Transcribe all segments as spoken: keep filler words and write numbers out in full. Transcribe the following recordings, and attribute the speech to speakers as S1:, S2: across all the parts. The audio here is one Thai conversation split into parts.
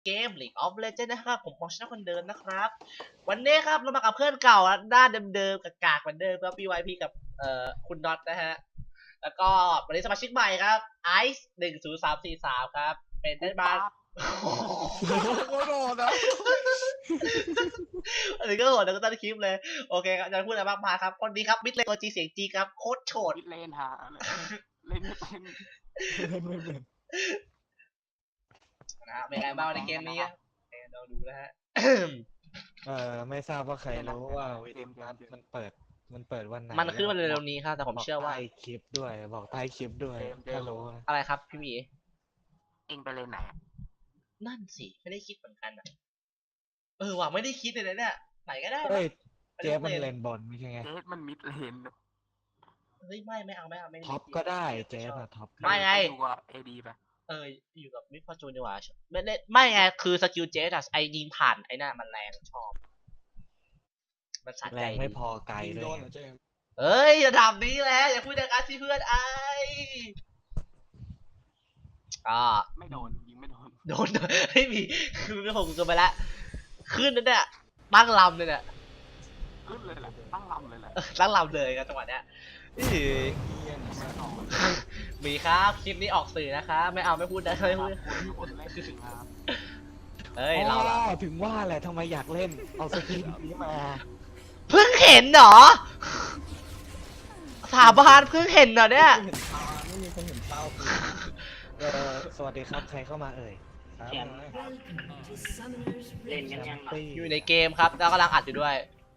S1: เกม League of Legends นะครับผมปองชนะคนเดิมนะครับวันนี้ครับเรามากับเพื่อนเก่าด้านเดิมๆกับกากเหมือนเดิมครับ พี วาย พี กับเอ่อคุณน็อตนะฮะแล้วก็วันนี้สมาชิกใหม่ครับไอซ์หนึ่งศูนย์สามสี่สามครับเป็นได้บ้าง
S2: โคตรโหดนะ
S1: อันนี้ก็โหดแล้วก็ต้นคลิปเลยโอเคครับจะพูดอะไรมากมายครับคนนี้ครับมิดเลนตัวจีเสียงจีครับโคตรโฉด
S3: มิดเลนฮะเล่นไม่เป็น
S1: นะฮะเป็นไงบ้างในเกมนี้เราดูนะฮะ
S2: เออไม่ทราบว่าใครรู้ว่าวิดีโอนัดมันเปิดมันเปิดวันไหน
S1: มันขึ้นมาเร็วๆนี้ครับแต่ผมเชื่อว่า
S2: ใต้คลิปด้วยบอกใต้คลิปด้วยถ้ารู้นะ
S1: อะไรครับพี่หมี
S3: เองไปเลนไหน
S1: นั่นสิไม่ได้คิดเหมือนกันอ่ะเออว่ะไม่ได้คิดเลยนะเนี่ยไหนก็ได้
S2: เฮ้ยเจฟมันเลนบอลไม่ใช่ไง
S3: เจสมันมิดเลน
S1: เฮ้ยไม่ไม่เอาไม่เอาไม่
S2: ท็อปก็ได้เจฟอะท็อป
S1: ไม่ไง
S3: ดูว่าเอดีไป
S1: เอออยู่กับมิดฟอร์จูนดีกว่าไม่ได้ไม่ไงคือสกิลเจสอะไอยิงผ่านไอ้น่ะมันแรงชอบมันสะ
S2: แร
S1: ใจ
S2: งไม่พอไกลด้วย
S1: เอ้ยระดับนี้แหละอย่าพูดอย่างนั้นสิเพื่อนไออ่า
S3: ไม่โดนยิงไม่โดน
S1: โดนไม่มีคือไม่ผมกันไปแล้วขึ้นนั่นเนี่ยตั้งลำเลยเนี่ย
S3: ขึ้นเลยแหละตั้งลำเลยแหละ
S1: ตั้งลำเลยครับจังหวะเนี้ยมีครับคลิปนี้ออกสื่อนะครับไม่เอาไม่พูดนะไม่พูด
S3: คนเล่นจริงครับ
S1: เฮ้ยเราล่ะ
S2: ถึงว่าแหละทำไมอยากเล่นเอาสกิลนี้มา
S1: เพิ่งเห็นเหรอสาบานเพิ่งเห็นเหรอเนี่ย
S2: ไม่มีคนเห็นเป้าเออสวัสดีครับใครเข้ามาเอ่ย
S4: เล่นกันยัง
S1: อยู่ในเกมครับแล้วกำลังอัดอยู่ด้วย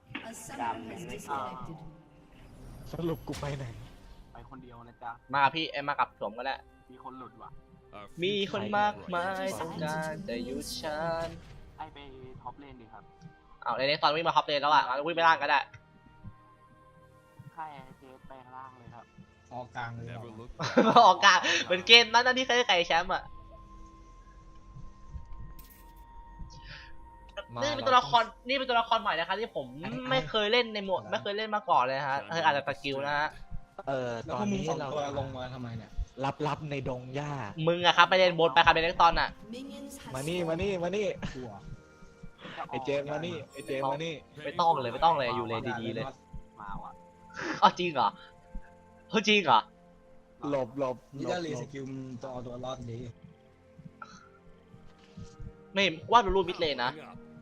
S2: สรุปกูไปไหน
S3: ไปคนเดียวนะจ๊ะ
S1: มากับพี่เอ้ยมากับผมก็ได้
S3: มีคนหลุดว่ะ
S1: มีคนมากมายต้องการแต่หยุดฉัน
S3: ไอไปท็อปเลนดิครับ
S1: เอาในนี้ตอนวิ่งมาฮอปเลนแล้วอ่ะวิ่งไปล่างก็ได้
S3: ค่ายเจสไปข้างล่างเลยครับ
S5: ออกกลางเลย
S1: ออกกลางเหมือนเกมนั้นที่เคยได้ไก่แชมป์อ่ะนี่เป็นตัวละครนี่เป็นตัวละครใหม่นะคะที่ผมไม่เคยเล่นในโหมดไม่เคยเล่นมาก่อนเลยฮะเอออาจจะตะกิวนะฮะ
S2: เออ
S5: แล้ว
S2: ตอ
S5: พวน กมึง
S2: นี้
S5: สอง
S2: เรา
S5: ตัวลงมาทำไมเนี่ย
S2: รับรับในดงหญ้า
S1: มึงอะครับไปเล่นบนไปครับไปเล่นตอนน่ะ
S2: มานี่มานี่มานี่
S5: กลัว
S2: ไอเจมมานี่ไอเจมมานี่
S1: ไม่ต้องเลยไม่ต้องเลยอยู่เลยดีๆเลย
S3: มาว่ะ
S1: อ๋อจริงเหรอเฮ้ยจริงเหรอ
S2: หลบหลบ
S5: นี่ถ้ารีสกิลมึงต้องเอาตัวรอดดี
S1: ไม่ว่าดูรูปมิดเลยนะ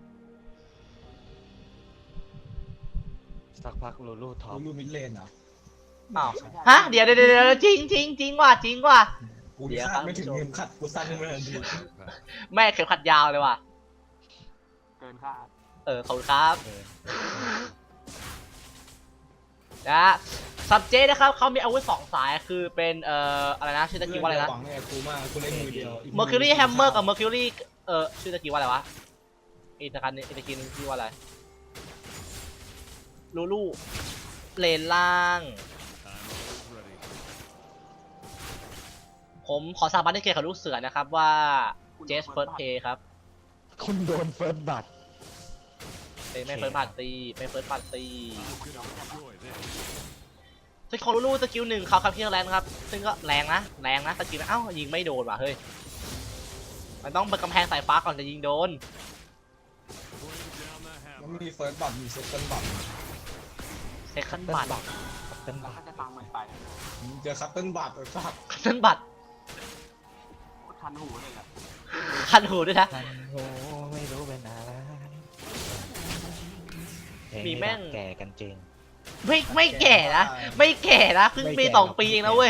S2: สักพักลูลูท็อป
S5: รู้รูมิดเลนเหรอ
S1: อ้าวฮะเดี๋ยวเดี๋ยวเดี๋ยวจริงจริงจริงว่ะจริงว่ะ
S5: กูนี่คาดไม่ถึงเข็มขัดกูสั้นไม่ทันที
S1: แม่เข็มขัดยาวเลยว่ะ
S3: เกินคาด
S1: เออขอบคุณครับนะซับเจนะครับเขามีอาวุธสองสายคือเป็นเอ่ออะไรนะชื่อตะกี้ว่าอะไรนะ
S5: หวังเนี่ยกูมากกูเล่นมือเดียว
S1: Mercury Hammer กับ Mercury เออชื่อตะกี้ว่าอะไรวะอีกตะกันอีกตะกี้นึงชื่อว่าอะไรลูลูเลนล่าง ผมขอสาบานที่เกียรติกับลูกเสือนะครับว่าเจสเฟิร์สเพย์ครับ
S2: คุณโดนเฟิร์สบัตร
S1: ไม่เฟิร์สพาร์ตี้ไม่เฟิร์สพาร์ตี้สกิลลูลูสกิลหนึ่งเขาคับเที่ยงแรงครับซึ่งก็แรงนะแรงนะสกิลนะเอ้ายิงไม่โดนว่ะเฮ้ยมันต้องเป็นกำแพงสายฟ้าก่อนจะยิงโดน
S5: มันมีเฟิร์สบัตมีเซคันด์บัต
S1: เซคันบัต
S2: เป็น
S3: แล้ว
S2: บัตร
S3: ถ้าจะตังมันไป
S5: มึงเจอคัตเติ้ลบัตไอ้สัส
S1: คันบัต
S3: คันหูเลยแหละ
S1: คันหูด้วยนะ
S2: ทันโหไม่รู้เป็นอะไร
S1: มีแม่ง
S2: แก่กันจริง
S1: ไม่ไม่แก่นะไม่แก่นะเพิ่งปีสองปีเองนะเว้ย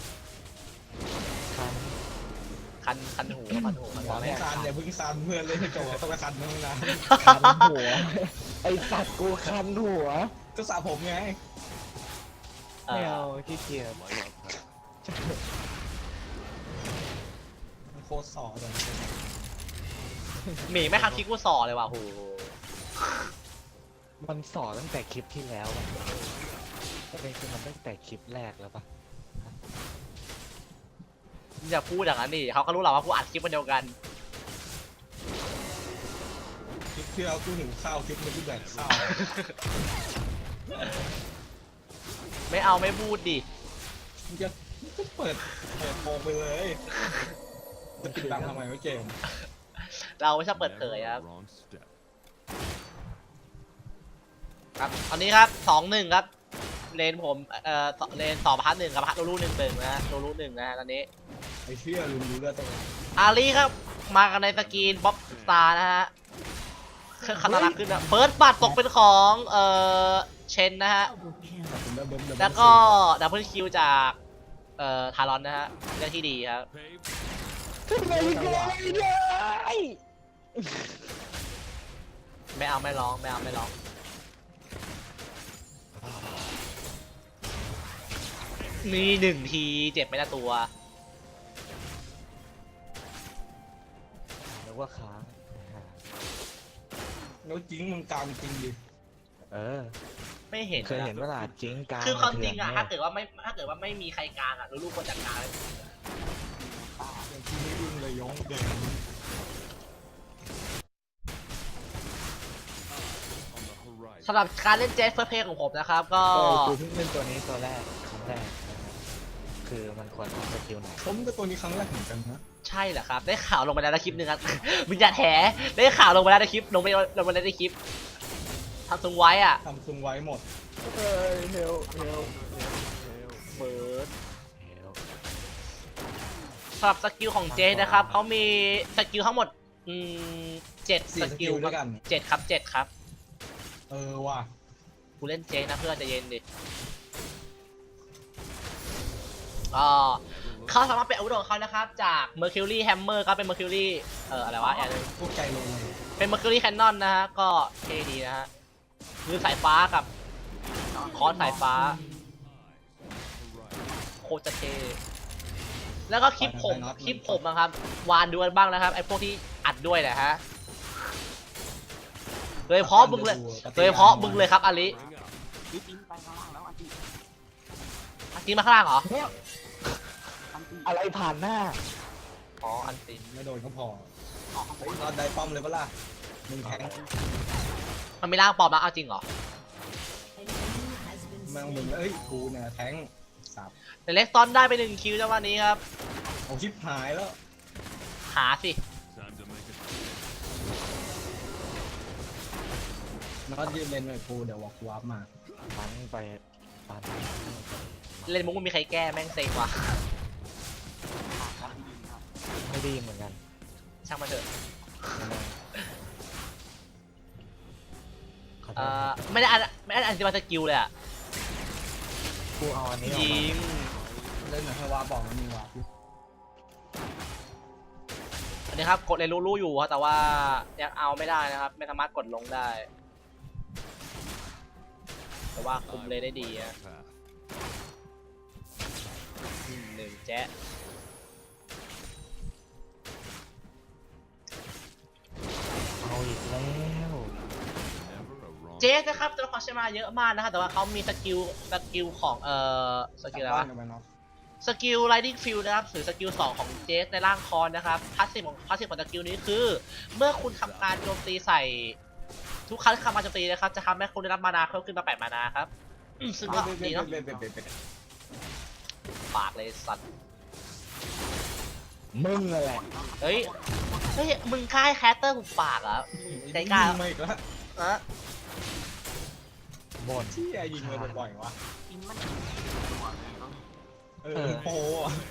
S2: คัน
S1: คันคันหูคันหูคัน
S5: หวัง
S1: หู
S5: ให้คันอย่าเพิ่งซันเพื่อนเล่นให้จบต้องไปคันมึงนะ
S2: คันหัวไอสัตว์กูคันหัว
S5: ก็สระผมไง
S1: เอ
S2: ไม่
S1: อ
S2: เอาขี้เกียจ
S5: มันโคตรสอเลย
S1: หมีไม่คันคิกกูสอเลยว่ะโห
S2: มันสอนตั้งแต่คลิปที่แล้วอะก็เป็นคือมันตั้งแต่คลิปแรกแล้วปะ
S1: อย่าพูดอย่างนั้นดิเขาก็รู้หรอกว่ากูอัดคลิปมันเดียวกัน
S5: คลิปที่เรากูหิวข้าวคลิปนี้กูแดกข้าว
S1: ไม่เอาไม่พูดดิ
S5: มึงจะมึงก็เปิดเปิดโปงไปเลยจะปิดบังทำไมวะเกม
S1: เราไม่ชอบเปิดเผยครับ ครับตอนนี้ครับสองหนึ่งครับเลนผมเอ่อเลนสองพันหนึ่งกับพัทโลลูหนึ่งหนึ่งนะฮะโลลูหนึ่งนะฮะตอนนี้
S5: ไอ้เชี่ยลืมดูเลือดตัว
S1: อาลีครับมากันในสกรีนป๊อปสตาร์นะฮะเครื่องคันนารักขึ้นนะเฟิร์สบัตตกเป็นของเอ่อเชนนะฮะ
S5: ตัดสินแล้วเบิ้มเบิ้ม
S1: แล้วก็ดับเบิลคิวจากเอ่อทารอนนะฮะเรื่องที่ดีครับไม่เอาไม่ร้องไม่เอาไม่ร้องนี่หนึ่งทีเจ็บไม่ละตัว
S2: นึกว่าค้าง
S5: แล้วจริงมึงกลางจริงดิ
S2: เออ
S1: ไม่เห็น
S2: เคยเห็นเวลาจริงกลาง
S1: คือความจริงอะ
S2: ถื่น
S1: ถ้าเกิดว่าไม่ถ้าเกิดว่าไม่มีใครกลางอะลูกๆคนจัดการเลย
S5: อย่างที่ไม่ยุ่งเลยย้องเดิน
S1: สำหรับการเล่นเจสเฟิร์สเพลย์ของผมนะครับ ก็
S2: เออกูเพิ่งเล่นตัวนี้ตัวแรกครั้งแรกนะครับคือมันควรทำสกิลไหน
S5: ผมก็ตัวนี้ครั้งแรกเหมือนกันนะ
S1: ใช่เหรอครับ ได้ข่าวลงไปแล้วในคลิปหนึงครับ มึงอย่าแถได้ข่าวลงไปแล้วในคลิปลงไปลงไปแล้วในคลิปทำทรงไว้อะ
S5: ทำซุงไว้หมด
S2: เอ้ยเฮลเฮล
S1: เฟิร์ส
S2: เฮล
S1: สำหรับสกิลของเจสนะครับเขามีสกิลทั้งหมดอืมเจ็ด
S5: สี่
S1: ส
S5: ส
S1: กิ
S5: กิ
S1: ล
S5: ลด้วยกัน
S1: เจ็ดครับเจ็ดครับ
S5: เออว่ะ
S1: กูเล่นเจนะเพื่อนใจะเย็นดิก็เขาสามารถเป็นอาวุธของเขานะครับ จาก Mercury Hammer ก็เป็น Mercury เอ่ออะไรวะอย่างนึง
S5: พวกใจลงเลย
S1: เป็น Mercury Cannon นะฮะ ก็เท่ดีนะฮะมือสายฟ้ากับคอนสายฟ้า โคตรจะเท่แล้วก็คลิปผมคลิปผมนะครับ วานดูกันบ้างนะครับ ไอ้พวกที่อัดด้วยนะฮะ โดยเฉพาะมึงเลย โดยเฉพาะมึงเลยครับอาลิ
S3: พี่ปิ๊งไปข้างล่างแล้วอันที่
S1: อันนี้มาข้างล่างเหรอ
S3: อันที่
S2: อะไรผ่านหน้า
S1: อ๋อ อันตี
S5: ไม่โดนก็พอ
S3: ออกข้างบ
S5: เฮ้ย
S3: น
S5: รอดได้ป้อมเลยปะล่ะมึงแทง
S1: มันมีร่างปลอมนะเอาจริงเหรอ
S5: แม่งมึงเอ้ยกูเนี่ยแทงสับ
S1: แต่เล็กตอนได้ไปหนึ่งคิวจังหวะนี้ครับ
S5: เอาชิปหายแล้ว
S1: หาสิ
S5: น็อตยืนเล่นหน่อยกูเดี๋ยววอล์กวาร์ปมา
S2: มันไปปัน
S1: เล่นมุกมันมีใครแก้แม่งเซ็งว่ะ
S3: ขาดกันที่ดินครับ
S2: ไม่ดีเหมือนกัน
S1: ช่างมาเถอะ
S2: ขอโท
S1: เอ่
S2: ษ
S1: อไม่ได้อันไม่ได้อันที่มาสกิลเลยอะ
S2: กูเอาอันนี้ออก
S1: ยิ
S2: มาง
S5: เล่นหน่อยให้วาร์ปบอกมันมีวาร์ปอยู่
S1: อันนี้ครับกดเลยรู้ๆอยู่ครับแต่ว่ายังเอาไม่ได้นะครับ ไม่สามารถกดลงได้ แต่ว่าคุมเลยได้ดีอะอืมหนึ่งแจ๊ะ
S2: เอาอีกแล้ว
S1: เจสนะครับตัวละครใช้มาเยอะมากนะครับแต่ว่าเขามีสกิลสกิลของเอ่อสกิลอะไร
S5: บ้า
S1: วะ
S5: นกันไปเนาะ
S1: สกิล Lightning Field นะครับหรือสกิลสองของเจสในร่างคอนนะครับพาสซีฟของพาสซีฟของสกิลนี้คือ เมื่อคุณทำการโจมตีใส่ทุกครั้งที่ทำการโจมตีนะครับจะทำให้คุณได้รับมานาเพิ่มขึ้นมาแปดมานาครับอืมซึ่งก็ดีเนาะ
S5: เบ็ดเบ็ดเบ็ดเบ็ด
S1: ปากเลยสัตว์
S2: มึงนั่นแหละ
S1: เฮ้ยเฮ้ยมึงกล้าให้แคสเตอร์กูปากเหรอมึงใจกล้า
S5: ยิงมาอีกแล้ว
S1: อะ
S2: บ่น
S5: ที่ไอ้ยิงมาบ่อยๆวะ
S3: อินมันตัวเลยต้อง
S5: เออโอ้โห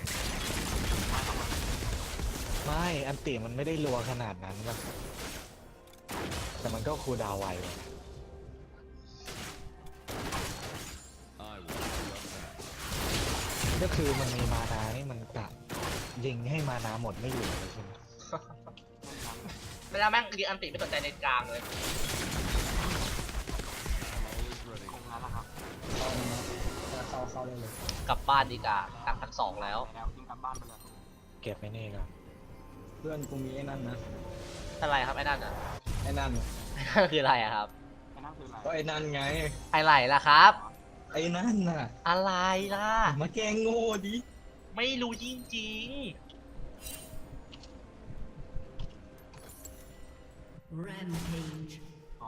S2: ไม่อันติมันไม่ได้รัวขนาดนั้นนะแต่มันก็คูลดาวน์ไวเลย ก็คือมันมีมานานี่มันกะยิงให้มานาหมดไม่อยู่เลยใช่ไหม
S1: เวลาแม่งยิงอันติไม่สนใจในกลางเลย
S3: คงนั้นแหละครับ
S5: เข้าเข้าเข้าได้เลย
S1: กลับบ้านดีกว่ากลับพักสองแล้ว
S3: ไปแล้วยิงกลับบ้านไปเลย
S2: เก็บไปนี่ก่อน
S5: เพื่อนกูมีไอ้นั่นนะ
S1: อะไรครับไอ้นั่นอ่ะ
S5: ไอ้นั่น
S1: ไอ้นั่นคืออะไรอะครับ
S3: ไอ้นั่นคืออะไร
S5: ก็ไอ้นั่นไง
S1: อะไรล่ะครับ
S5: ไอ้นั่นน่ะ
S1: อะไรล่ะ
S5: มาแกล้งโง่ดิ
S1: ไม่รู้จริง
S4: Rampage.
S3: อ๋อ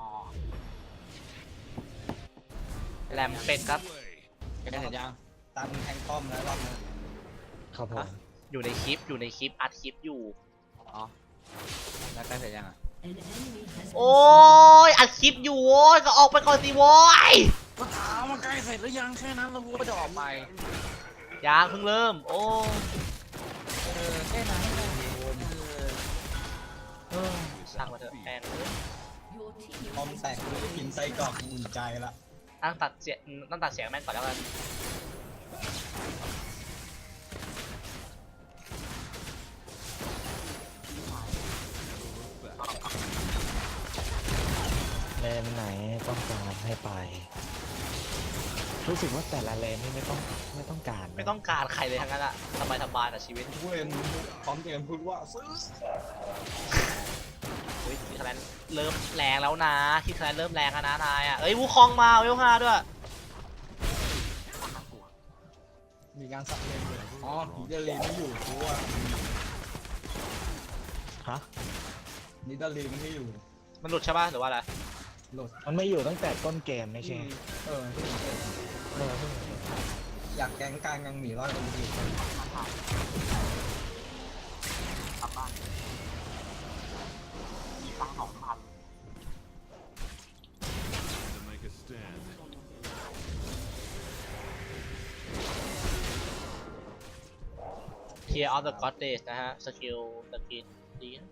S1: ๆแรมเป็ดครับ
S5: แกเห็นยังตันแทงป้อมแล้วรอบนั้น
S2: ครับผม
S1: อยู่ในคลิปอยู่ในคลิปอัดคลิปอยู่
S3: อ๋อแล้วใกล้เสร็จยังอ่ะ
S4: An enemy has
S1: โอ้ยอัดคลิปอยู่โว้ยก็ออกไปก่อนสิโว้ย
S3: ก็ถามว่าใกล้เสร็จหรือยังแค่นั้นแล้วกูก็จะออกไป
S1: ยังเพิ่งเริ่มโอ้
S3: เออแค่นั้นเองเออ
S1: ช่างมาเถอะแอน
S4: your team
S5: พร้อม
S4: has
S5: แตกเลยกินไส้กรอกอุ่นใจละ
S1: ตั้งตัดเสียงตั้งตัดเสียงแม่งก่อนแล้วกัน
S2: เลนไหนต้องการให้ไป รู้สึกว่าแต่ละเลนนี่ไม่ต้องไม่ต้องการนะ
S1: ไม่ต้องการใครเลยทั้งนั้นอะสบายสบายๆกับชีวิต
S5: ทุกเลนพร้อมเตรียมพูดว่าซื้อ
S1: เฮ้ยที่คะแนนเริ่มแรงแล้วนะที่คะแนนเริ่มแรงแล้วนะนายอะเอ้ยวูคองมาเวลห้าด้วย
S5: มีการสับเลนเลยอ๋อนิดาลีไม่อยู่เพราะว่า
S2: ฮะ
S5: นิดาลีมันไม่อยู่
S1: มันหลุดใช่ป่ะหรือว่าอะไร
S5: โหลด
S2: มันไม่อยู่ตั้งแต่ต้นเกมไม่ใช่
S5: เออ
S2: เออเพิ่งเห็น
S5: อยากแกงกลางยังหมีรอดกันอยู่
S3: กลับบ้านมีตังค์สองพัน
S6: to make a stand.
S1: เ Tear of the Goddess นะฮะสกิลสกินดีนะ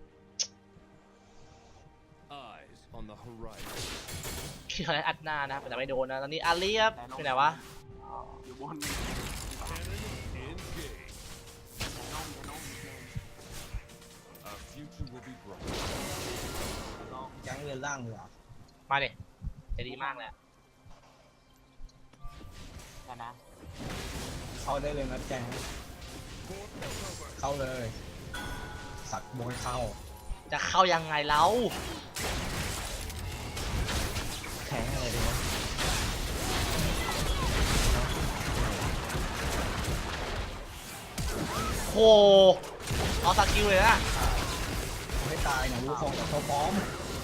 S6: Eyes on the horizon.
S1: ที่คะแนนอัดหน้านะครับแต่ไม่โดนนะตอนนี้อาลีครับไปไหนวะ
S3: อยู่บน
S6: Cannon engage.
S3: จะน้องจะน้องเกม
S6: Our future will be bright.
S3: น้อง
S5: แก๊งเรือนล่างเหรอ
S1: มาดิจะดีมากเลยอะ
S3: แค่นะ
S5: เข้าได้เลยนะแก๊งเข้าเลย สักบงเข้า
S1: จะเข้ายังไงแล้ว
S2: แข็งอะไรดีวะ
S1: โหเอาสกิลเลยนะ
S5: ไม่ตายนะลูกของเขาพร้อม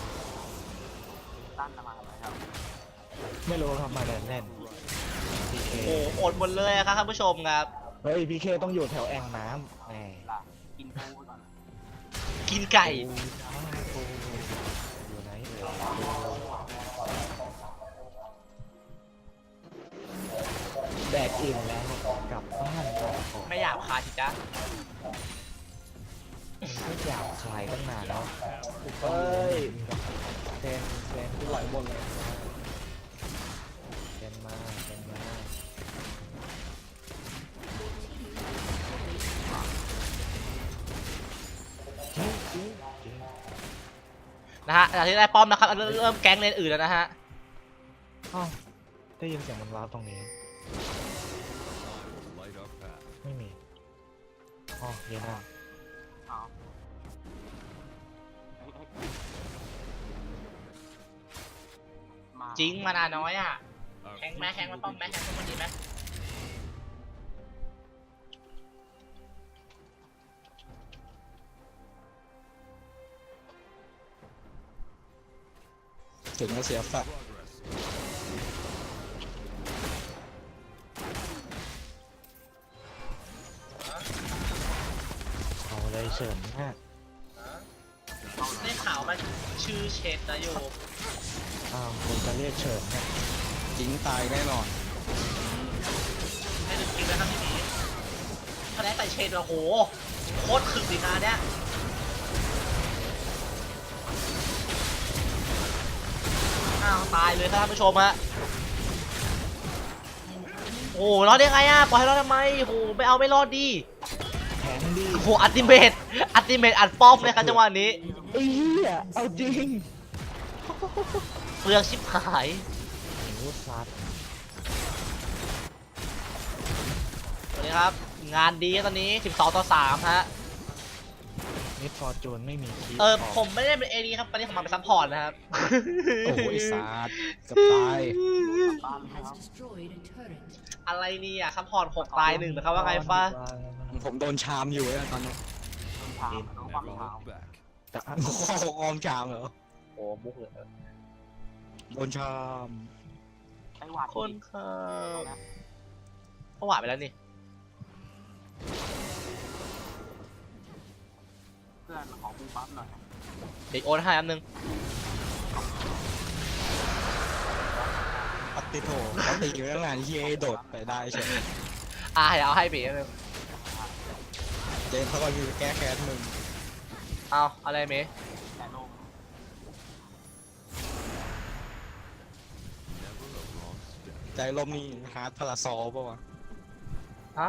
S3: ตั้นมาทำไมครับ
S2: ไม่รู้ครับมาเดินเล่นพีเค
S1: โอ้โหอดหมดเลยอะครับท่านผู้ชมครับ
S2: เฮ้ยพีเคต้องอยู่แถวแอ่งน้ำแหม
S3: ล่ะกินปูไปก่อน
S1: กินไก่
S2: อยู่ไหนเอ่ยแดกอิ่มแล้วกลับบ้านก่อน
S1: ไม่อยากคายสิจ๊ะ
S2: ไม่อยากขายตั้งนานแล้วเฮ้ยเทนเทน
S5: ไหลบนเลย
S2: เทนมาเทนมาจริงจริงจริง
S1: นะฮะจากที่ได้ป้อมนะครับเริ่มเริ่มแก๊งเลนอื่นแล้วนะฮะ
S2: อ้าวได้ยินเสียงมันว้าวตรงนี้
S6: I will light our path.
S2: ไม่มีอ๋อเยน่า
S3: เอาเฮ้ยเฮ้ยมา
S1: จริงมานาน้อยอ่ะ
S6: Our
S1: แข่งไหม
S6: future
S1: แข่งมา
S6: will
S1: ป้อม
S6: be
S1: ไหมแข่งป้อมมันดีไหม
S5: ถึงจะเสียฝัก
S6: progress.
S2: เอาเลยเฉินมาก
S1: ได้ข่าวมันชื่อเชนนะโยม
S2: อ้าวคนจะเรียกเฉินเนี่ย
S5: จริงตายแน่นอน
S1: ให้ดูคลิปนะครับพี่หมีคะแนนใส่เชนโอ้โหโคตรขึงดีนะเนี่ยอ้าวตายเลยครับท่านผู้ชมฮะโอ้รอดได้ไงอ่ะปล่อยให้รอดทำไมโอ้โหไม่เอาไม่รอดดี
S2: แข็งดี
S1: โอ้โหอัลติเมทอัลติเมทอัดป้อมเลยครับจังหวะนี้
S2: ไอ้เหี้ยเอาจริง
S1: เปลืองชิบหาย
S2: โอ้ซัด
S1: สวัสดีครับ งานดีตอนนี้สิบสองต่อสามฮะ
S2: นิดฟอร์จูนไม่มีคีย์
S1: เออผมไม่ได้เป็นเอดีครับตอนนี้ผมมาเป็นซัพพอร์ตนะครับ
S5: โอ้โหไอ้สาดเกับตาย
S3: บ้านเลยครับ
S4: has destroyed a turret.
S1: อะไรนี่อ่ะซัพพอร์ตหกตายหนึ่งนะครับว่าไงฟ้า
S5: ผมโดนชามอยู่อะตอนนี้
S3: ต้นทางต้องฟัง
S6: Never
S3: ข่าว
S6: look back.
S2: แต่อ่ะ
S5: โอ้โหออมชามเหรอ
S1: โอ้มุกเลย
S5: โดนชาม
S3: ไต้หวัน
S1: คนครับ
S3: นะ
S1: เขาหวานไปแล้วนี่
S3: เพื่อนขอบูปั๊บหน่อย
S1: เด็กโอนให้อันนึง
S5: ปฏิโถเขาตีอยู่ตั้งนานที่เอโดดไปได้ใช่ไหม
S1: อ่ะเดี๋ยวเอาให้เบ๋อันนึง
S5: เจนเขาก็คือแก้แค้นมึง
S1: เอาอะไรเมย์
S3: แต่ลง
S6: Never a wrong step.
S5: ใจลมนี่ฮาร์ดพาราซอลป่าวะ
S1: ฮะ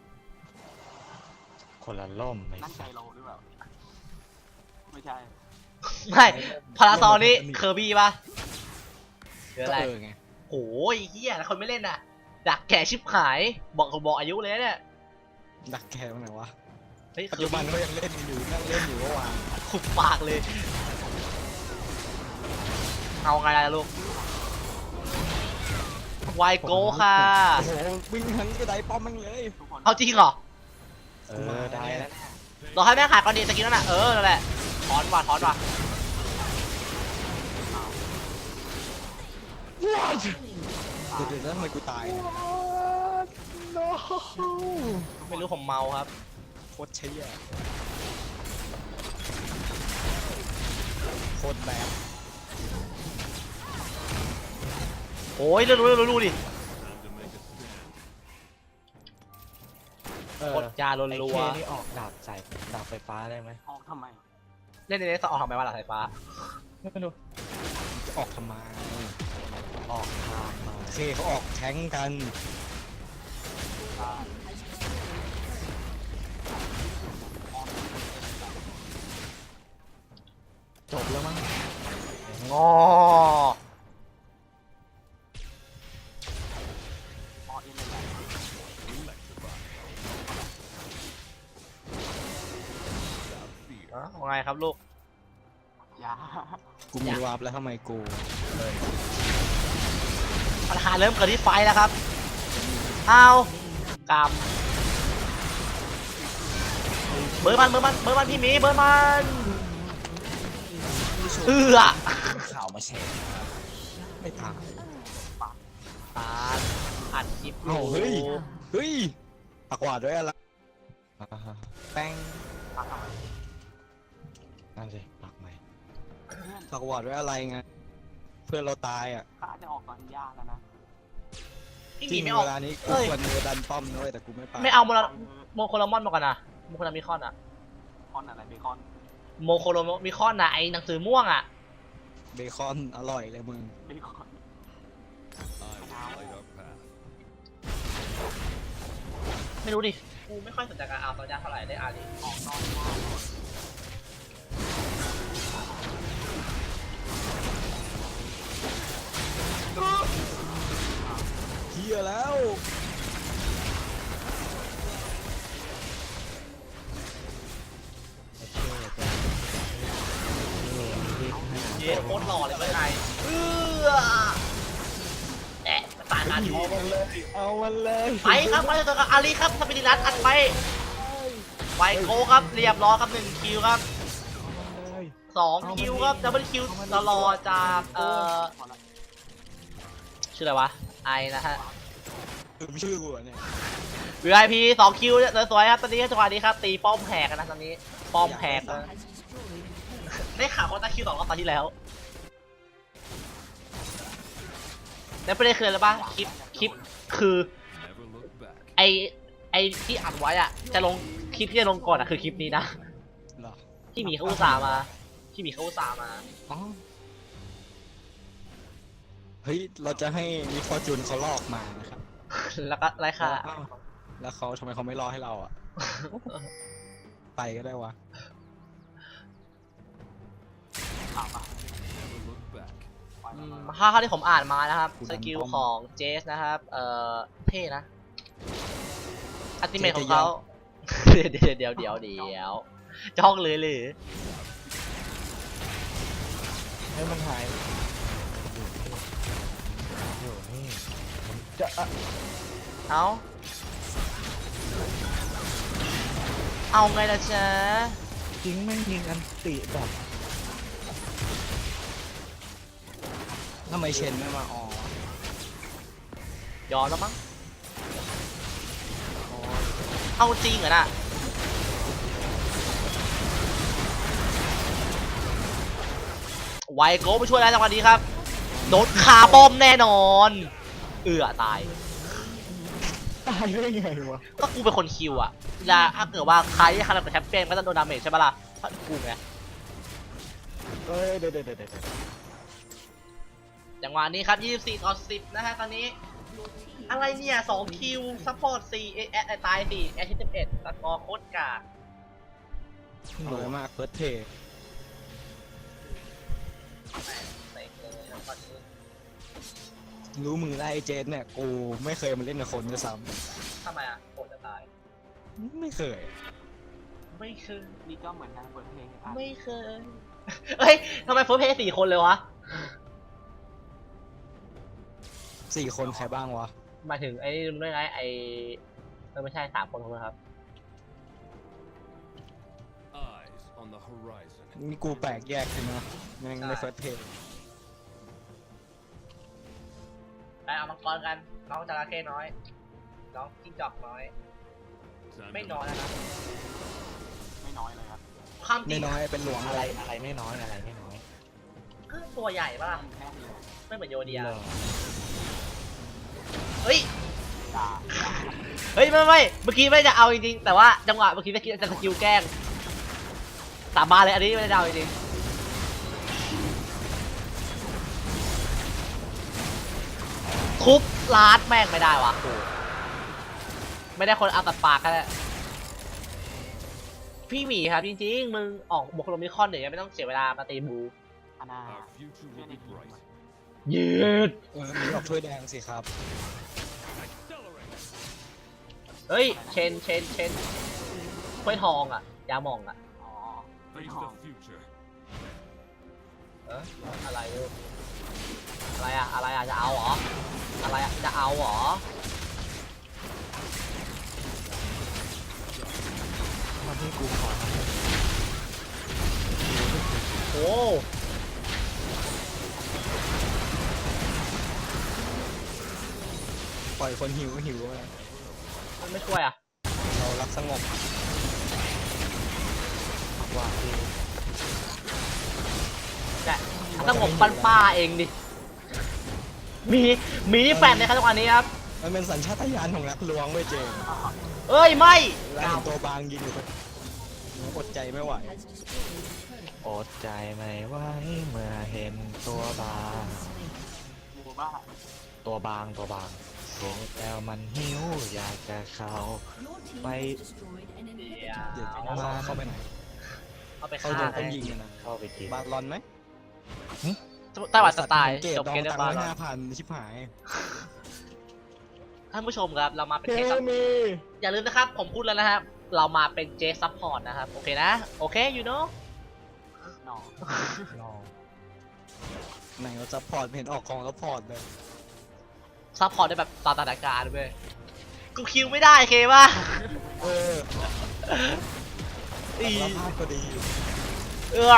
S2: คนละล่มไอ้
S3: นั่นใจ
S2: สัส
S3: โลหรือเปล่าไม่ใช่
S1: ไม่พาราซอลนี่เคอร์บี้ป่ะหรือ
S5: ก็
S1: อะไร
S5: เออไง
S1: โอ้ยเฮียแล้วคนไม่เล่นอ่ะดักแก่ชิบหายบอกบอกอายุเลยนะเนี่ย
S5: ดักแค่ไหนวะ
S1: เฮ้ย
S5: ปัจ
S1: คือ
S5: จุบันเขายังเล่นกันอยู่นั่งเล่นอยู่เมื่อวาน
S1: ขุบปากเลย เอาไงล่ะลูกไวโก้ค่ะ
S5: โอ้โหวิ่งทั้งกระไดป้อมมันเลย
S3: ทุกคน
S1: เอาจริงเหรอ
S2: เออได้แล้ว
S1: เราให้แม่ขายก่อนดีสกิลนั่นน่ะเออนั่นแหละถอนว่ะถอนว่ะ
S5: เดี๋ยวเดี๋ยวแล้วทำไมกูตายเนี่ย
S1: ไม่รู้ผมเมาครับ
S5: โคตรเชี่ยโคตรแบด
S1: โอ้ยเรื่องรู้เรื่องรู้ดิ
S6: Time to make a stand.
S2: เออก
S1: ดยาล
S2: ไอ้
S1: รั
S2: เคว นี่ออกดาบใส่ดาบไฟฟ้าได้ไหม
S3: ออกทำไม
S1: เล่นในนี้ต่อออกทำไมวะหลังไฟฟ้า
S2: ไม่รู้
S5: จะออกทำไม
S2: ออกทางมา
S5: โอเคเขาออกแทงกัน
S2: จบแล้วมั้ง
S1: งอ
S3: ออกเอ็นเลยแหละ
S6: Electrify. Without fear.
S1: อ่ะว่าไงครับลูก
S3: ยา
S5: กูมีวาร์ปแล้วทำไมกู
S1: ปัญหาเริ่มเกิดที่ไฟแล้วครับเอากำเบอร์มันเบอร์มันเบอร์มันพี่หมีเบอร์มันเอือ
S5: ข่าวมาแชร์ไม่ตาย
S1: ตาอัดคลิปอ
S5: เอ้า
S1: ยู่
S5: เฮ้ย เฮ้ยปากหวาดด้วยอะไร
S2: อ่าฮะ
S5: แป้ง
S3: ปักทำไม
S2: นั่นสิปักใหม่
S3: เพื่อน
S5: ปากหวาดด้วยอะไรไงเพื่อนเราตายอ่ะ
S3: ข้าจะออกก่อนยาแล้วนะ
S1: พี่ห
S5: จ
S1: มี
S5: ริง
S1: ไม่ออก
S5: เวลานี้กู
S1: เอ้ย
S5: ควรมือดันป้อมด้วยแต่กูไม่ไป
S1: ไม่เอาโมโลโมโคโลมอนมาก่อนนะโมโคโลมิคอนอะ
S3: คอนอะไรเบคอน
S1: โมโคโลมิคอนนะไอหนังสือม่วงอะ
S5: เบคอนอร่อยเลยมึง
S3: เบคอน
S6: I will light our path.
S1: ไม่รู้ดิกูไม่ค่อยสนใจการเอาตอนยาเท่าไหร่ได้อารี
S3: ออกนอนยา
S5: เฮียแล้ว
S2: โอเคจ้ะนี่รีบหา
S1: เย้โคตรหล่อเลยเพื่อนไอเออแอะตายกัน
S2: เอามันเลยเอามันเลย
S1: ไปครับไปต่อกับอารีครับสปิริรัสอัดไปไวโก้ครับเรียบร้อยครับหนึ่งคิวครับ
S2: เลย
S1: สองคิวครับดับเบิลคิวตลอดจากเอ่อ
S3: พอละ
S1: ชื่ออะไรวะไอนะฮะ
S5: ลืมชื่อกูอะเนี่ย
S1: วี ไอ พี สองคิวเนี่ยสวยๆครับตอนนี้จังหวะนี้ครับตีป้อมแหกกันนะตอนนี้ป้อมแหกนะ
S4: Has destroyed a turret.
S1: ได้ข่าวว่าตาคิวสองรอบตอนที่แล้วแล้วประเด็นคืออะไรปะคลิปคลิปคือ
S6: Never look back.
S1: ไอไอที่อัดไว้อะจะลงคลิปที่จะลงก่อนอะคือคลิปนี้นะ
S5: เหรอ
S1: ที่หมีเขาอุตส่าห์มาที่หมีเขาอุตส่าห์มา
S5: อ๋อเฮ้ยเราจะให้มิฟอร์จูนเขาลอกมานะครับ
S1: แล้วก็ไรค่ะ
S5: อ้าวแล้วเขาทำไมเขาไม่รอให้เราอ่ะ ไปก็ได้วะ
S3: ถามอ่ะ
S6: Never look back.
S3: ไป
S1: อื
S3: แล้ว
S1: ม
S3: มา
S1: ถ้าเท่าที่ผมอ่านมานะครับสกิลของเจสนะครับเอ่อเท่นะอัติเมทของเขาเดี๋ยวเดี๋ยวเดี๋ยวเดี๋ยวเดี๋ยวจ้องเลยหรือ
S2: ให้มันหายอยู่นี่ผมจะอ่ะ
S1: เอาเอาไงล่ะจ๊ะ
S2: จริงแม่งยิงอันติแบบ
S5: ทำไมเชนไม่มาอ๋อย
S1: อมแล้วมั้งเอาจริงเหรอน่ะไวโก้มาช่วยแล้วจังหวะนี้ครับโดนคาร์บอมแน่นอนเอือตาย
S2: ตายได้ไงวะ
S1: ก็กูเป็นคนคิวอะเวลาถ้าเกิดว่าใครที่ทำกับแชมเปี้ยนก็จะโดนดาเมจใช่ปะล่ะเพราะกูไง
S2: เอ้ยเดี๋ยวเดี๋ยวเดี๋ยวเดี๋ยว
S1: จังหวะนี้ครับยี่สิบสี่ต่อสิบนะฮะตอนนี้อะไรเนี่ยสองคิวซัพพอร์ตสี่เอแอตายสี่แอชิสิบเอ็ดสกอร์โคตรกาก
S5: สวยมากเฟิร์สเท
S1: เต็มเลยนะตอนนี้
S5: รู้มือไล่เจนเนี่ยกูไม่เคยมาเล่นกับคนด้วยซ้
S1: ทำไมอะโคตรจะตาย
S5: ำไม่เคย
S1: ไม่เคย
S3: นี่ก็เหมือนกันเปิดเพลงอ่ะ
S1: ไม่เคยเฮ้ยทำไมเฟิร์สเพย์สี่คนเลยวะ
S5: สี่คนใครบ้างวะ
S1: หมายถึงไอ้นี่ด้วยไงไอ้เออไม่ใช่สามคนคนนะครับ
S6: Eyes on the horizon.
S5: นี่กูแปลกแยกใช่ไหมแม่งไม่เฟิร์สเท
S1: ไปเอามังกรกันน้องจระเข้น้อยน้องจิ้งจอกน้อย
S6: Time
S1: ไม่
S6: to
S1: น้อยนะครับ
S3: ไม่น้อยเลยครับ
S1: ความจริ
S5: ไม่
S1: ง
S5: น้อยเป็นหลวง
S2: อะ
S5: อะไร ไร
S2: อะไรไม่น้อยอะไรไม่น้อย
S1: ก็ตัวใหญ่ปะล่ะ
S3: แค่นี้เลย
S1: ไม่เหมือนโยเดีย
S2: เหรอ
S1: เฮ้ย
S3: ด่า
S1: เฮ้ยไม่ไม่เมื่อกี้ไม่จะเอาจริงๆแต่ว่าจังหวะเมื่อกี้จะคิดจะสกิลแกล้งสาบานเลยอันนี้ไม่ได้เอาจริงๆทุบลาดแม่งไม่ได้วะโอ้ไม่ได้คนเอาตัดปากกันแหละพี่หมีครับจริงๆมึงออกบุคโลมิคอนเดี๋ยวยังไม่ต้องเสียเวลามาตีบู
S3: อาณา
S6: Our future
S3: เชื่อ
S6: will
S3: ใน
S6: be
S3: ทีม
S6: bright.
S1: ยืด
S5: เออมีออกถ้วยแดงสิครับ
S6: Accelerate.
S1: เฮ้ยเชนเชนเชนถ้วยทองอ่ะยาหมองอ่ะ
S3: อ๋อไม่
S6: Face
S3: ทอง
S6: the future.
S1: เอออะไรลูกอะไรอะอะไรอะจะเอาเหรออะไรอะจะเอาเหรอ
S2: วันนี้กูขอทำ
S1: โอ้
S5: ปล่อยคนหิวหิวมา
S1: มันไม่ช่วยอะ
S5: เรารักสงบ
S2: ว่าที่
S1: แต่ต้องผมปั้นป้าเองดิมีมีนี่แฟนในครับจังหวะนี้ครับ
S5: มันเป็นสัญชาตญาณของนักล้วงเว้ยเจมส์
S1: เอ้ยไม่
S5: เวลาเห็นตัวบางยิงอยู่ก็อดใจไม่ไหว
S4: has destroyed a turret.
S2: อดใจไม่ไหวเมื่อเห็นตัวบาง
S3: หมู่บ้าน
S2: ตัวบางตัวบางเห็นแล้วมันหิวอยากจะเข้า
S4: Your team
S2: Mày-
S4: has destroyed an
S1: เดี๋
S4: inhibitor.
S5: เดี๋ยว
S1: ยว
S5: เอาเข้าไปไหน
S1: เอาไป
S5: เข้า
S1: ฆ่า
S5: โดนต้
S1: ให้
S5: องยิงกันนะ
S2: เข้าไปกิน
S5: บาลอนไหม
S1: ไต้หวันสไตล์
S5: เกต
S1: จบ
S5: ดอง
S1: เกมเรีย
S5: ตัง
S1: บร้อย
S5: ค์
S1: แล้ว
S5: ห้าพันชิบหาย
S1: ท่านผู้ชมครับ เรามาเป็น
S2: เค
S1: เจซับ
S2: มี
S1: อย่าลืมนะครับ ผมพูดแล้วนะครับ เรามาเป็นเจซัพพอร์ตนะครับ โอเคนะ โอเค you know
S3: หนอ
S2: ลอง
S5: ไหนเราจะพอร์ตเห็นออกของแล้วพอร์ตเลย
S1: ซัพพอร์ตได้แบบตามสถานการณ์เว้ยกูคิวไม่ได้เคป่ะ
S5: เออ
S1: อี
S5: รับภาพก็ดี
S1: เออ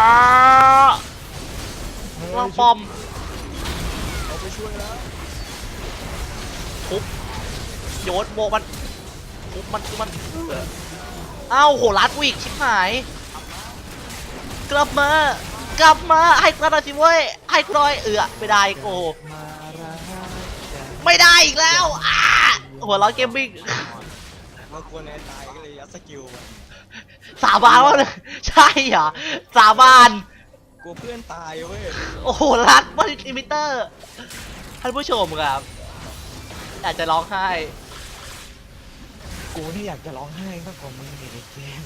S1: ลองปอม
S5: เขาไปช่วยแล้ว
S1: ทุบโยนโบกมันทุบมันทุบมันเอออ้าวโหรัดกูอีกชิบหาย กลับมา กลับมาให้กูหน่อยสิเว้ยให้กูหน่อยเออไม่ได้โอ้
S2: มารักกัน
S1: ไม่ได้อีกแล้วอ้าหัวเร้อนเกมมิ่ง
S5: ว่ากลัวแนนตายก็เลยยัดสกิลไป
S1: สาบานว่าเลยใช่เหรอสาบาน
S5: กลัวเพื่อนตายเว้ย
S1: โอ้โหรัดว่าลิมิเตอร์ท่านผู้ชมครับอยากจะร้องไห้
S2: กูนี่อยากจะร้องไห้มากกว่ามึงอีกไอ้เจมส์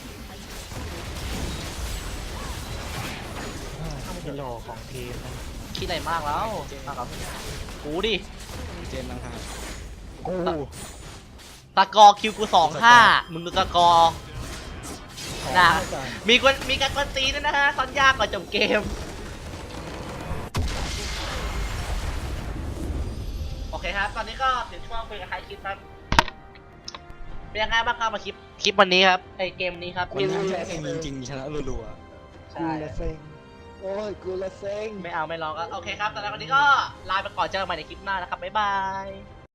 S2: ห้ากิโลของทีมนะ
S1: คิดอะไรมากแล้วมากับกูดิ
S5: เจมส์ลังหา
S2: กู
S1: ตะกอร์คิวกูสองห้ามึงดูตะกอร์ น่ะ มีคนมีการกวนตีนด้วยนะฮะซ้อนยากกว่าจบเกม โอเคครับ ตอนนี้ก็ถึงช่วงคุยกับใครคลิปครับเป็นยังไงบ้างครับมาคลิปคลิปวันนี้ครับไอเกมนี้ครับ
S5: คนทำแค่เองจริงๆชนะรัว
S1: ใช่
S2: เซ็งโอ้ยกูละเซ็ง
S1: ไม่เอาไม่ลองก็โอเคครับแต่แล้ววันนี้ก็ลาไปก่อนเจอกันใหม่ในคลิปหน้านะครับบ๊ายบาย